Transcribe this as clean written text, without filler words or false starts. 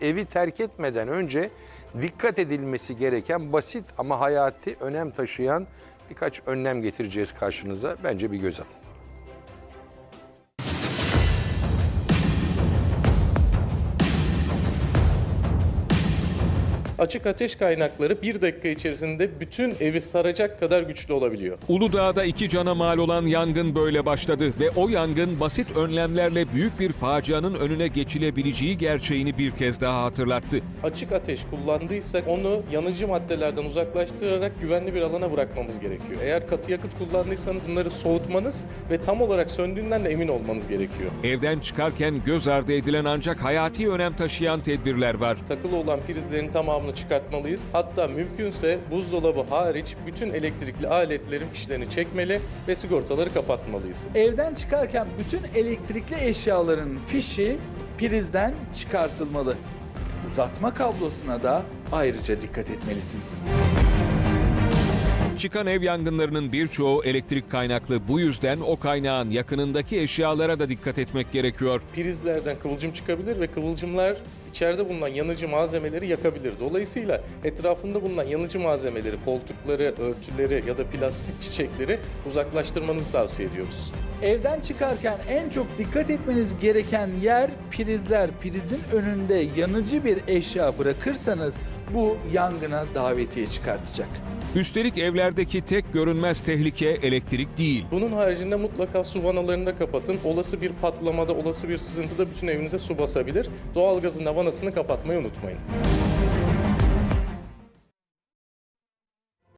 evi terk etmeden önce dikkat edilmesi gereken basit ama hayati önem taşıyan birkaç önlem getireceğiz karşınıza. Bence bir göz atın. Açık ateş kaynakları 1 dakika içerisinde bütün evi saracak kadar güçlü olabiliyor. Uludağ'da 2 cana mal olan yangın böyle başladı ve o yangın basit önlemlerle büyük bir facianın önüne geçilebileceği gerçeğini bir kez daha hatırlattı. Açık ateş kullandıysak onu yanıcı maddelerden uzaklaştırarak güvenli bir alana bırakmamız gerekiyor. Eğer katı yakıt kullandıysanız bunları soğutmanız ve tam olarak söndüğünden de emin olmanız gerekiyor. Evden çıkarken göz ardı edilen ancak hayati önem taşıyan tedbirler var. Takılı olan prizlerin tamamını çıkartmalıyız. Hatta mümkünse buzdolabı hariç bütün elektrikli aletlerin fişlerini çekmeli ve sigortaları kapatmalıyız. Evden çıkarken bütün elektrikli eşyaların fişi prizden çıkartılmalı. Uzatma kablosuna da ayrıca dikkat etmelisiniz. Çıkan ev yangınlarının birçoğu elektrik kaynaklı. Bu yüzden o kaynağın yakınındaki eşyalara da dikkat etmek gerekiyor. Prizlerden kıvılcım çıkabilir ve kıvılcımlar içeride bulunan yanıcı malzemeleri yakabilir. Dolayısıyla etrafında bulunan yanıcı malzemeleri, koltukları, örtüleri ya da plastik çiçekleri uzaklaştırmanızı tavsiye ediyoruz. Evden çıkarken en çok dikkat etmeniz gereken yer prizler. Prizin önünde yanıcı bir eşya bırakırsanız bu yangına davetiye çıkartacak. Üstelik evlerdeki tek görünmez tehlike elektrik değil. Bunun haricinde mutlaka su vanalarını da kapatın. Olası bir patlamada, olası bir sızıntıda bütün evinize su basabilir. Doğalgazın da vanasını kapatmayı unutmayın.